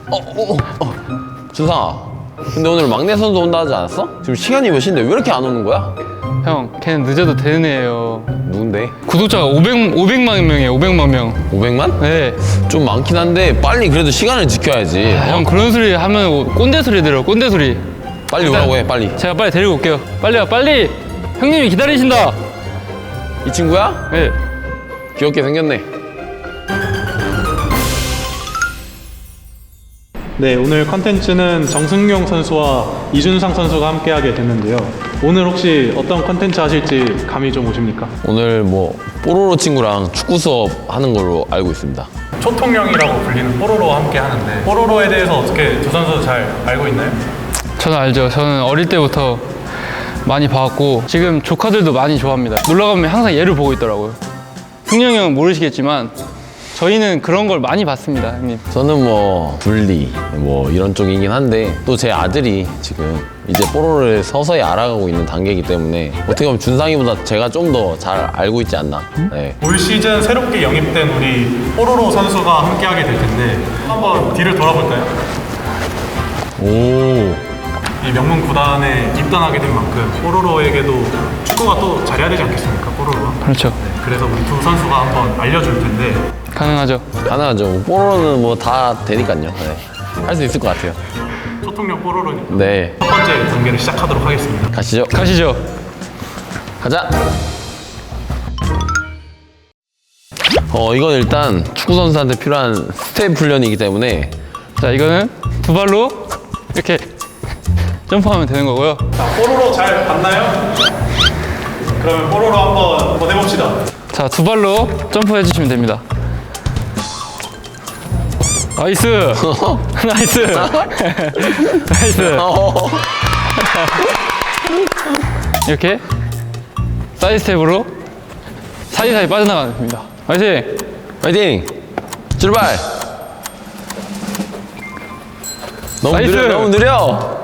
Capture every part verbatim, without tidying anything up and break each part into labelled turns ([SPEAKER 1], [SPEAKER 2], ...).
[SPEAKER 1] 어, 어, 어. 준상아, 근데 오늘 막내 선수 온다 하지 않았어? 지금 시간이 몇 시인데 왜 이렇게 안 오는 거야?
[SPEAKER 2] 형, 걔는 늦어도 되는 애예요.
[SPEAKER 1] 누군데?
[SPEAKER 2] 구독자가 오백, 오백만 명이에요. 오백만 명.
[SPEAKER 1] 오백만?
[SPEAKER 2] 네.
[SPEAKER 1] 좀 많긴 한데 빨리 그래도 시간을 지켜야지.
[SPEAKER 2] 아, 형 그런 소리 하면 꼰대 소리 들어. 꼰대 소리.
[SPEAKER 1] 빨리
[SPEAKER 2] 일단
[SPEAKER 1] 오라고 해, 빨리.
[SPEAKER 2] 제가 빨리 데리고 올게요. 빨리 와, 빨리. 형님이 기다리신다.
[SPEAKER 1] 이 친구야?
[SPEAKER 2] 네.
[SPEAKER 1] 귀엽게 생겼네.
[SPEAKER 3] 네, 오늘 컨텐츠는 정승용 선수와 이준상 선수가 함께하게 됐는데요. 오늘 혹시 어떤 컨텐츠 하실지 감이 좀 오십니까?
[SPEAKER 1] 오늘 뭐 뽀로로 친구랑 축구 수업 하는 걸로 알고 있습니다.
[SPEAKER 3] 초통령이라고 불리는 뽀로로와 함께 하는데 뽀로로에 대해서 어떻게 두 선수 잘 알고 있나요?
[SPEAKER 2] 저는 알죠. 저는 어릴 때부터 많이 봐왔고 지금 조카들도 많이 좋아합니다. 놀러 가면 항상 얘를 보고 있더라고요. 승용이 형은 모르시겠지만 저희는 그런 걸 많이 봤습니다, 형님.
[SPEAKER 1] 저는 뭐 분리 뭐 이런 쪽이긴 한데 또 제 아들이 지금 이제 뽀로로를 서서히 알아가고 있는 단계이기 때문에 어떻게 보면 준상이보다 제가 좀 더 잘 알고 있지 않나. 네.
[SPEAKER 3] 올 시즌 새롭게 영입된 우리 뽀로로 선수가 함께하게 될 텐데 한번 뒤를 돌아볼까요?
[SPEAKER 1] 오.
[SPEAKER 3] 이 명문 구단에 입단하게 된 만큼 뽀로로에게도 축구가 또 잘해야 되지 않겠습니까, 뽀로로가?
[SPEAKER 2] 그렇죠.
[SPEAKER 3] 네, 그래서 우리 두 선수가 한번 알려줄 텐데
[SPEAKER 2] 가능하죠.
[SPEAKER 1] 가능하죠. 뽀로로는 뭐 다 되니까요. 네. 할 수 있을 것 같아요.
[SPEAKER 3] 초통령 뽀로로니까
[SPEAKER 1] 네.
[SPEAKER 3] 첫 번째 단계를 시작하도록 하겠습니다.
[SPEAKER 1] 가시죠.
[SPEAKER 2] 가시죠.
[SPEAKER 1] 가자. 어 이건 일단 축구 선수한테 필요한 스텝 훈련이기 때문에
[SPEAKER 2] 자, 이거는 두 발로 이렇게 점프하면 되는 거고요.
[SPEAKER 3] 자, 뽀로로 잘 봤나요? 그러면 뽀로로 한번, 한번 해봅시다.
[SPEAKER 2] 자, 두 발로 점프해 주시면 됩니다. 나이스! 나이스! 나이스! 이렇게 사이드 스텝으로 사이사이 빠져나가면 됩니다. 화이팅!
[SPEAKER 1] 파이팅! 출발! 너무
[SPEAKER 2] 나이스!
[SPEAKER 1] 느려, 너무 느려!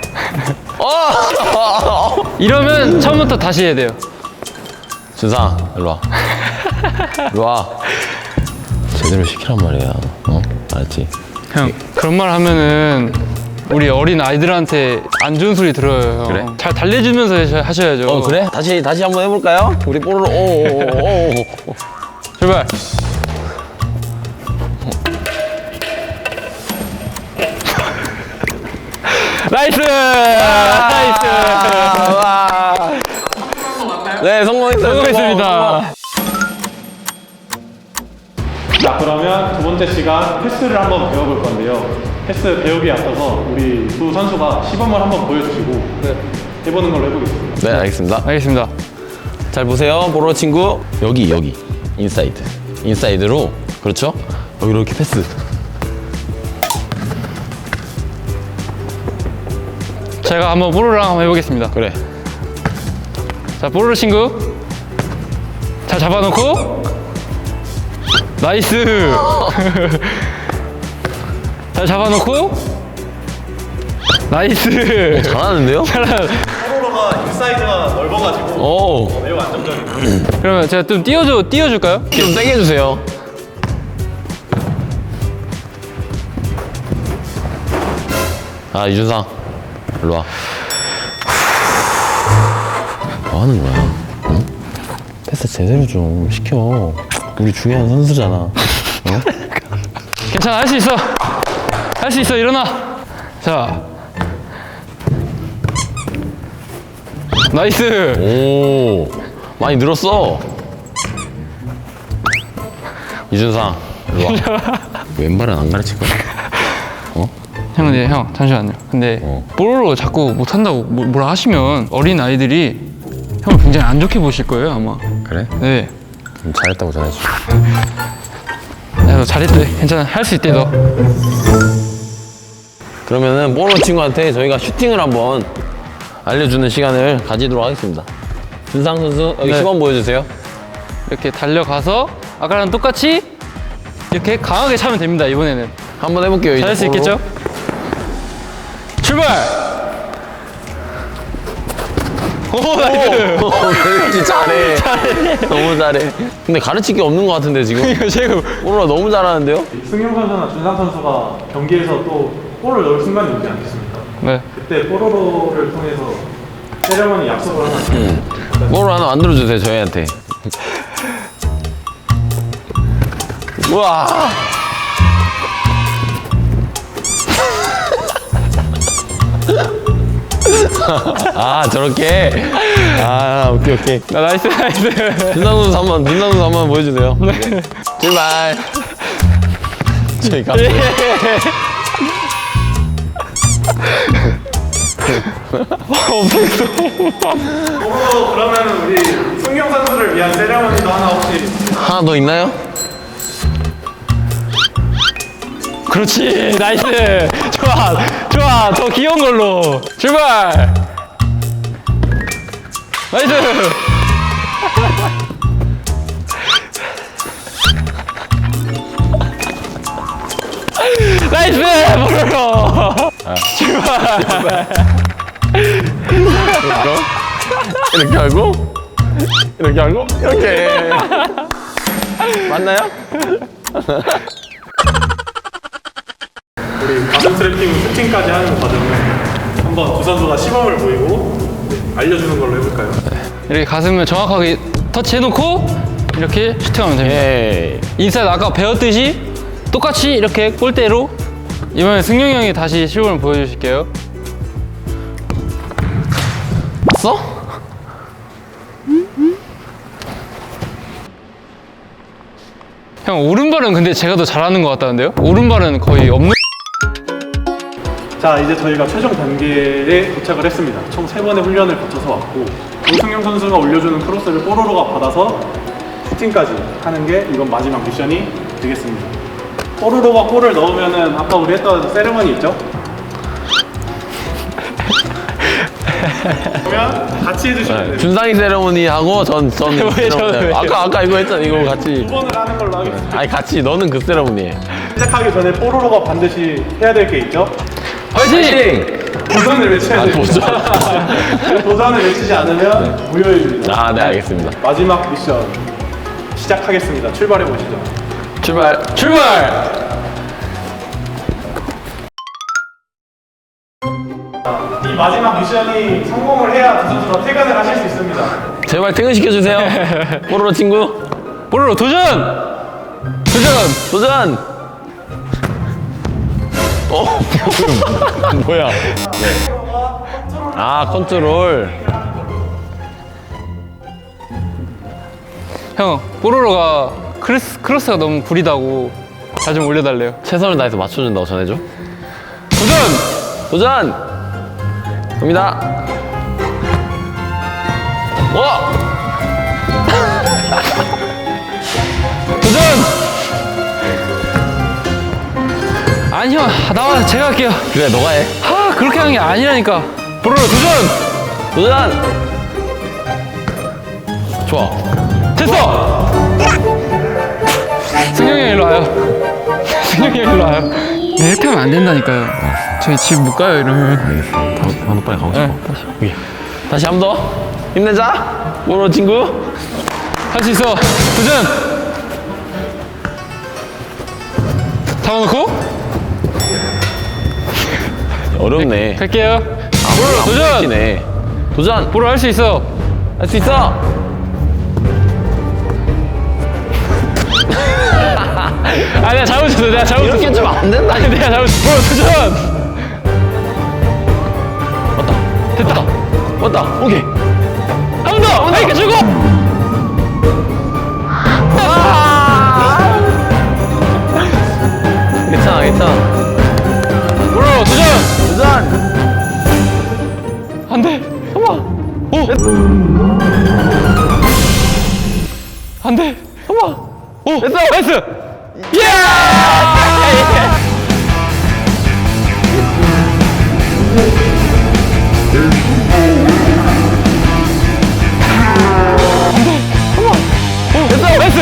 [SPEAKER 1] 어!
[SPEAKER 2] 이러면 처음부터 다시 해야 돼요.
[SPEAKER 1] 준상, 일로 와. 일로 와. 제대로 시키란 말이야. 어? 알았지?
[SPEAKER 2] 형, 그런 말 하면은 우리 어린 아이들한테 안 좋은 소리 들어요. 형.
[SPEAKER 1] 그래?
[SPEAKER 2] 잘 달래주면서 하셔- 하셔야죠.
[SPEAKER 1] 어, 그래? 다시, 다시 한번 해볼까요? 우리 뽀로로, 오오오오오.
[SPEAKER 2] 출발! 나이스! 나이스!
[SPEAKER 1] 와. 네, 성공했어요.
[SPEAKER 2] 성공했습니다.
[SPEAKER 3] 자, 그러면 두 번째 시간 패스를 한번 배워볼 건데요. 패스 배우기에 앞서서 우리 두 선수가 시범을 한번 보여주시고 해보는 걸로 해보겠습니다.
[SPEAKER 1] 네, 알겠습니다.
[SPEAKER 2] 알겠습니다.
[SPEAKER 1] 잘 보세요, 뽀로로 친구. 여기, 여기. 인사이드. 인사이드로. 그렇죠? 여기 이렇게 패스.
[SPEAKER 2] 제가 한번 뽀로로랑 한번 해보겠습니다.
[SPEAKER 1] 그래.
[SPEAKER 2] 자, 뽀로로 친구. 잘 잡아놓고. 나이스! 잘 잡아놓고. 나이스!
[SPEAKER 1] 잘하는데요?
[SPEAKER 3] 뽀로로가 인사이드가 넓어가지고
[SPEAKER 1] 오.
[SPEAKER 3] 매우 안정적이에요.
[SPEAKER 2] 그러면 제가 좀 띄워줘, 띄워줄까요?
[SPEAKER 1] 좀 세게 해주세요. 아, 이준상. 일로 와. 뭐 하는 거야? 응? 패스 제대로 좀 시켜. 우리 중요한 선수잖아. 어?
[SPEAKER 2] 괜찮아, 할 수 있어. 할 수 있어, 일어나. 자. 나이스!
[SPEAKER 1] 오. 많이 늘었어. 이준상. 일로 와. 왼발은 안 가르칠 거야. 어?
[SPEAKER 2] 형, 근데 형, 잠시만요. 근데
[SPEAKER 1] 어.
[SPEAKER 2] 뽀로로 자꾸 못한다고 뭐- 뭐라 하시면 어린 아이들이 형을 굉장히 안 좋게 보실 거예요, 아마.
[SPEAKER 1] 그래?
[SPEAKER 2] 네.
[SPEAKER 1] 좀 잘했다고 전해줘.
[SPEAKER 2] 야, 너 잘했대. 괜찮아. 할 수 있대, 너.
[SPEAKER 1] 그러면은 뽀로 친구한테 저희가 슈팅을 한번 알려주는 시간을 가지도록 하겠습니다. 준상 선수 여기
[SPEAKER 2] 네.
[SPEAKER 1] 시범 보여주세요.
[SPEAKER 2] 이렇게 달려가서 아까랑 똑같이 이렇게 강하게 차면 됩니다, 이번에는.
[SPEAKER 1] 한번 해볼게요. 이제
[SPEAKER 2] 잘할 수
[SPEAKER 1] 뽀로로.
[SPEAKER 2] 있겠죠? 출발! 오, 나이스.
[SPEAKER 1] 오, 왠지 잘해. 잘해. 너무 잘해. 근데 가르칠 게 없는 것 같은데 지금.
[SPEAKER 2] 이거 지금
[SPEAKER 1] 뽀로라 너무 잘하는데요?
[SPEAKER 3] 승용 선수나 준상 선수가 경기에서 또 골을 넣을 순간이 오지 않겠습니까?
[SPEAKER 2] 네.
[SPEAKER 3] 그때 뽀로로를 통해서 세레머니 약속을 하나
[SPEAKER 1] 응. 뽀로라 하나 만들어주세요 저희한테. 우와. 아 저렇게. 아 오케이 오케이.
[SPEAKER 2] 아, 나이스 나이스.
[SPEAKER 1] 준상 선수 한번 준상 선수 한번 보여주세요. 네. 출발. 저희 가.
[SPEAKER 3] 뽀로로 그러면 우리 승용 선수를 위한 세레머니도 하나 혹시
[SPEAKER 1] 하나 더 있나요?
[SPEAKER 2] 그렇지 나이스. 좋아 좋아 더 귀여운 걸로 출발. 나이스. 나이스 뽀로로. 출발.
[SPEAKER 1] 이렇게 하고 이렇게 하고 이렇게. 맞나요?
[SPEAKER 3] 우리 가슴 트래핑 슈팅까지 하는 과정을 한번 두 선수가 시범을 보이고 알려주는 걸로 해볼까요?
[SPEAKER 2] 이렇게 가슴을 정확하게 터치해놓고 이렇게 슈팅하면 됩니다.
[SPEAKER 1] 에이.
[SPEAKER 2] 인사이드 아까 배웠듯이 똑같이 이렇게 골대로. 이번에 승용이 형이 다시 시범을 보여주실게요.
[SPEAKER 1] 봤어?
[SPEAKER 2] 형 오른발은 근데 제가 더 잘하는 것 같다는데요? 오른발은 거의 없는.
[SPEAKER 3] 자, 이제 저희가 최종 단계에 도착을 했습니다. 총 세 번의 훈련을 거쳐서 왔고 노승용 선수가 올려주는 크로스를 뽀로로가 받아서 슈팅까지 하는 게 이번 마지막 미션이 되겠습니다. 뽀로로가 골을 넣으면은 아까 우리 했던 세레머니 있죠? 그러면 같이 해주시면 돼요.
[SPEAKER 1] 준상이 세레모니 하고 전전
[SPEAKER 2] 왜 저는 왜요?
[SPEAKER 1] 아까 아까 이거 했잖아. 이거 같이.
[SPEAKER 3] 두 번을 하는 걸로 하겠습니다.
[SPEAKER 1] 아니 같이 너는 그 세레모니 해.
[SPEAKER 3] 시작하기 전에 뽀로로가 반드시 해야 될 게 있죠?
[SPEAKER 2] 화이팅!
[SPEAKER 3] 도전을 외쳐야
[SPEAKER 1] 아,
[SPEAKER 3] 됩니다.
[SPEAKER 1] 도전.
[SPEAKER 3] 도전을 외치지 않으면 무효입니다.
[SPEAKER 1] 아, 네 알겠습니다.
[SPEAKER 3] 마지막 미션 시작하겠습니다. 출발해 보시죠.
[SPEAKER 1] 출발.
[SPEAKER 2] 출발!
[SPEAKER 3] 이 마지막 미션이 성공을 해야 두 선수가 퇴근을 하실 수 있습니다.
[SPEAKER 1] 제발 퇴근 시켜주세요. 뽀로로 친구.
[SPEAKER 2] 뽀로로 도전! 도전!
[SPEAKER 1] 도전. 어? 뭐야? 아 컨트롤.
[SPEAKER 2] 형 뽀로로가 크로스, 크로스가 너무 구리다고 잘 좀 올려달래요.
[SPEAKER 1] 최선을 다해서 맞춰준다고 전해줘.
[SPEAKER 2] 도전!
[SPEAKER 1] 도전. 갑니다. 와.
[SPEAKER 2] 도전! 아니 형 나와 제가 할게요.
[SPEAKER 1] 그래 너가 해.
[SPEAKER 2] 아 그렇게 하는 게 아니라니까. 뽀로로 도전!
[SPEAKER 1] 도전. 좋아.
[SPEAKER 2] 됐어! 승용이 형 일로 와요. 승용이 형 일로 와요. 네, 이렇게 하면 안 된다니까요. 저희 집 못 가요 이러면.
[SPEAKER 1] 한번 빨리 가고 싶어.
[SPEAKER 2] 네.
[SPEAKER 1] 다시. 오케이. 다시 한 번 더. 힘내자. 뽀로로 친구.
[SPEAKER 2] 할 수 있어. 도전! 잡아놓고
[SPEAKER 1] 어렵네.
[SPEAKER 2] 갈게요.
[SPEAKER 1] 아,
[SPEAKER 2] 도전!
[SPEAKER 1] 네 도전.
[SPEAKER 2] 뽀로 할 수 있어.
[SPEAKER 1] 할 수 있어.
[SPEAKER 2] 아 내가 잘못했어. 내가 잘못했어.
[SPEAKER 1] 이렇게 좀 안 된다.
[SPEAKER 2] 아니 내가 잘못했어. 뽀로 도전!
[SPEAKER 1] 왔다.
[SPEAKER 2] 됐다.
[SPEAKER 1] 왔다. 오케이.
[SPEAKER 2] 한 번 더! 아이까 주고!
[SPEAKER 1] 괜찮아, 괜찮아.
[SPEAKER 2] 뽀로 도전!
[SPEAKER 1] 도전.
[SPEAKER 2] 안 돼.
[SPEAKER 1] 잠깐만.
[SPEAKER 2] 오! 안 돼.
[SPEAKER 1] 잠깐만.
[SPEAKER 2] 오! 됐어! 나이스! 예! 됐어! 나이스!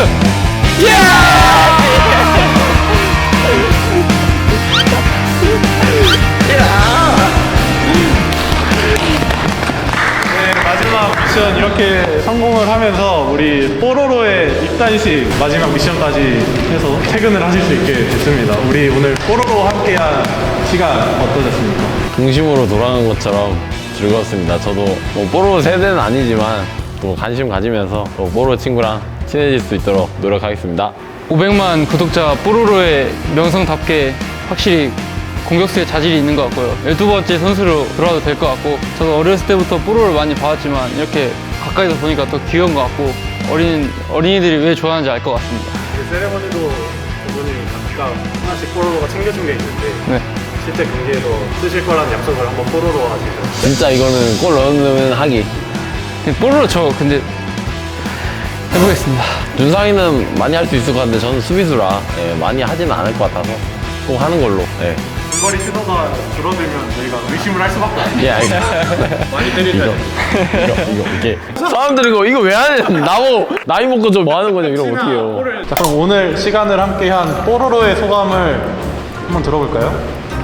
[SPEAKER 2] 예!
[SPEAKER 3] 네, 마지막 이렇게 성공을 하면서 우리 뽀로로의 입단식 마지막 미션까지 해서 퇴근을 하실 수 있게 됐습니다. 우리 오늘 뽀로로 함께한 시간 어떠셨습니까?
[SPEAKER 1] 중심으로 돌아간 것처럼 즐거웠습니다. 저도 뭐 뽀로로 세대는 아니지만 또 관심 가지면서 또 뽀로로 친구랑 친해질 수 있도록 노력하겠습니다.
[SPEAKER 2] 오백만 구독자 뽀로로의 명성답게 확실히 공격수의 자질이 있는 것 같고요. 열두 번째 선수로 들어와도 될 것 같고, 저도 어렸을 때부터 뽀로로를 많이 봐왔지만 이렇게 가까이서 보니까 더 귀여운 것 같고, 어린, 어린이들이 왜 좋아하는지 알 것 같습니다.
[SPEAKER 3] 세레머니도 두 분이 각각 하나씩 뽀로로가 챙겨준 게 있는데
[SPEAKER 2] 네.
[SPEAKER 3] 실제 경기에서 쓰실 거라는 약속을 한번 뽀로로 하시죠.
[SPEAKER 1] 진짜 이거는 골 넣으면 하기.
[SPEAKER 2] 근데 뽀로로 저 근데 해보겠습니다.
[SPEAKER 1] 준상이는 많이 할 수 있을 것 같은데 저는 수비수라 예, 많이 하지는 않을 것 같아서 꼭 하는 걸로. 예,
[SPEAKER 3] 중거리 시도가 줄어들면 저희가 의심을 할 수밖에 없어요.
[SPEAKER 1] 예 알겠습니다.
[SPEAKER 3] 많이 때리죠.
[SPEAKER 1] 이거 이거 이게 사람들이 이거 이거 왜 하냐? 나보 나이 먹고 좀 뭐 하는 거냐? 이러면 어떡해요?
[SPEAKER 3] 자, 그럼 오늘 시간을 함께한 뽀로로의 소감을 한번 들어볼까요?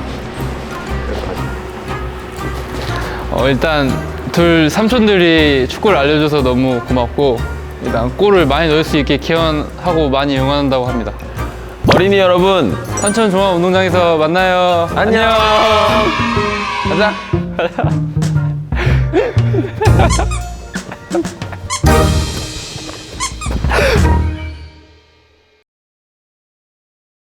[SPEAKER 2] 어, 일단 둘 삼촌들이 축구를 알려줘서 너무 고맙고, 일단 골을 많이 넣을 수 있게 기원하고 많이 응원한다고 합니다.
[SPEAKER 1] 어린이 여러분
[SPEAKER 2] 산천 종합운동장에서 만나요.
[SPEAKER 1] 안녕. 가자.